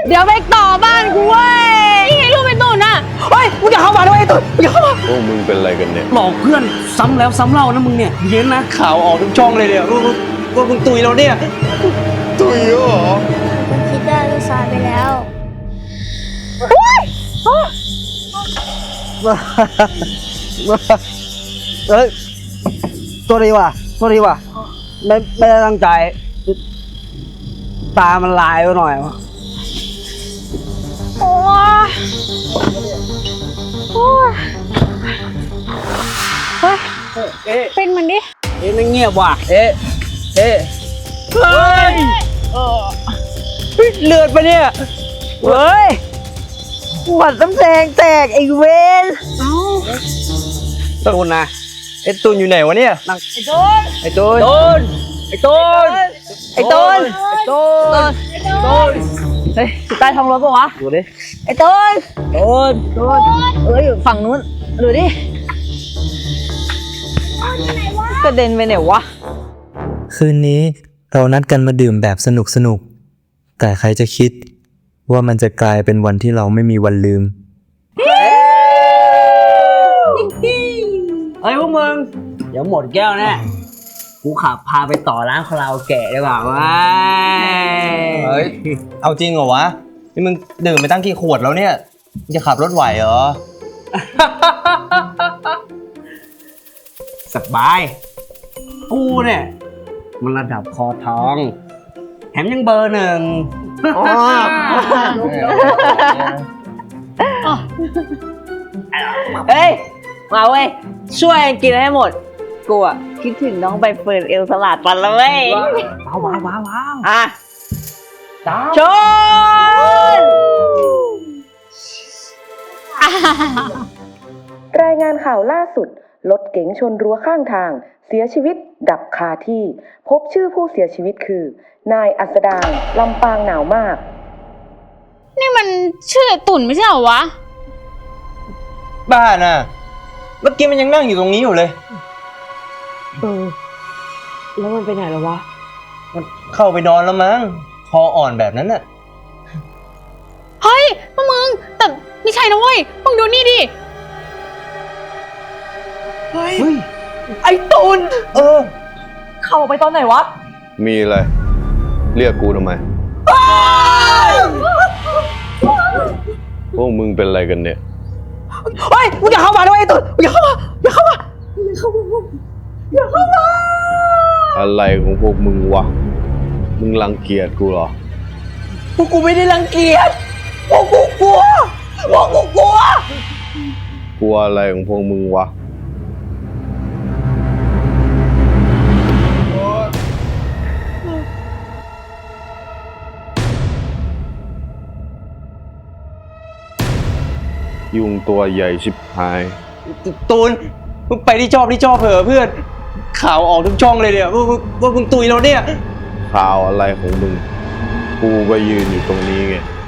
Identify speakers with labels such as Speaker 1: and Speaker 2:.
Speaker 1: เดี๋ยวไปต่อบ้านกูเว้ยนี่ไงลูกเป็นตุ่นอ่ะ
Speaker 2: เฮ้ยมึงอย่าเข้ามาด้วยไอ้ตุ่นมึงอย่าเข้ามา
Speaker 3: พวกมึงเป็นอะไรกันเนี่ย
Speaker 2: หลอกเพื่อนซ้ำแล้วซ้ำเล่านะมึงเนี่ยเย็นนะข่าวออกทุกช่องเลยเนี่ยว่ามึงตุยแล้วเนี่ย
Speaker 3: ตุยเหรอ
Speaker 4: ผมคิดได้ก็สายไปแล้ว
Speaker 2: เฮ้ยตัวดีว่ะไม่ได้ตั้งใจตามันลายไปหน่อยวะ
Speaker 1: โอ้ยเฮ้ยเป็นมันดิ
Speaker 2: ไม่เงียบว่ะเฮ้ยเลือดปะเนี่ยเฮ้ยหวัดน้ำแดงแตกไอ้เวนตูนนะไอ้ตูนอยู่ไหนวะเนี่ยไอ้ตูนเฮ้ยใต้ท้องรถปะวะดูดิไอ้ตูนเอ้ยฝั่งนู้นดูดิกระเด็นไปไหนวะ
Speaker 5: คืนนี้เรานัดกันมาดื่มแบบสนุกแต่ใครจะคิดว่ามันจะกลายเป็นวันที่เราไม่มีวันลืม
Speaker 2: เฮ้ยพวกมึงเดี๋ยวหมดแก้วแน่กูขับพาไปต่อร้านคาราโอเกะดีกว่าว้า
Speaker 6: เฮ้ยเอาจริงเหรอวะนี่มึงดื่มไปตั้งกี่ขวดแล้วเนี่ยมึงจะขับรถไหวเหรอ
Speaker 2: สบายกูเนี่ยมันระดับคอทองแถมยังเบอร์หนึ่งเฮ้ยมาเว้ยช่วยกินให้หมดกูอะคิดถึงน้องใบเฟิร์นเอลสลัดปันแล้วเว้ยว้าวอ่ะชน
Speaker 7: รายงานข่าวล่าสุดรถเก๋งชนรั้วข้างทางเสียชีวิตดับคาที่พบชื่อผู้เสียชีวิตคือนายอัสดางลำปางหนาวมาก
Speaker 1: นี่มันชื่อตุ่นไม่ใช่เหรอวะ
Speaker 6: บ้าน่ะเมื่อกี้มันยังนั่งอยู่ตรงนี้อยู่เลย
Speaker 2: แล้วมันไปไหนแล้ววะ
Speaker 6: มันเข้าไปนอนแล้วมั้งคออ่อนแบบนั้นน่ะ
Speaker 1: เฮ้ยมึงแต่ไม่ใช่นะเว้ยมึงดูนี่ดิ
Speaker 2: เฮ้ยไอ้ตุนเข้าไปตอนไหนวะ
Speaker 3: มีอะไรเรียกกูทำไมพวกมึงเป็นอะไรกันเนี่ย
Speaker 2: เฮ้ยมึงอย่าเข้ามาด้วยไอ้ตุนอย่าเข้ามา
Speaker 3: อะไรของพวกมึงวะมึงรังเกียจกูเหรอ
Speaker 2: พวกกูไม่ได้รังเกียจพวกกูกลัว
Speaker 3: กลัวอะไรของพวกมึงวะยุงตัวใหญ่ชิบหาย
Speaker 6: ตูนมึงไปที่ชอบเถอะเพื่อนข่าวออกทุกช่องเลยเนี่ยว่ามึงตุยแล้วเนี่ย
Speaker 3: ข่าวอะไรของมึงกูก็ยืนอยู่ตรงนี้ไง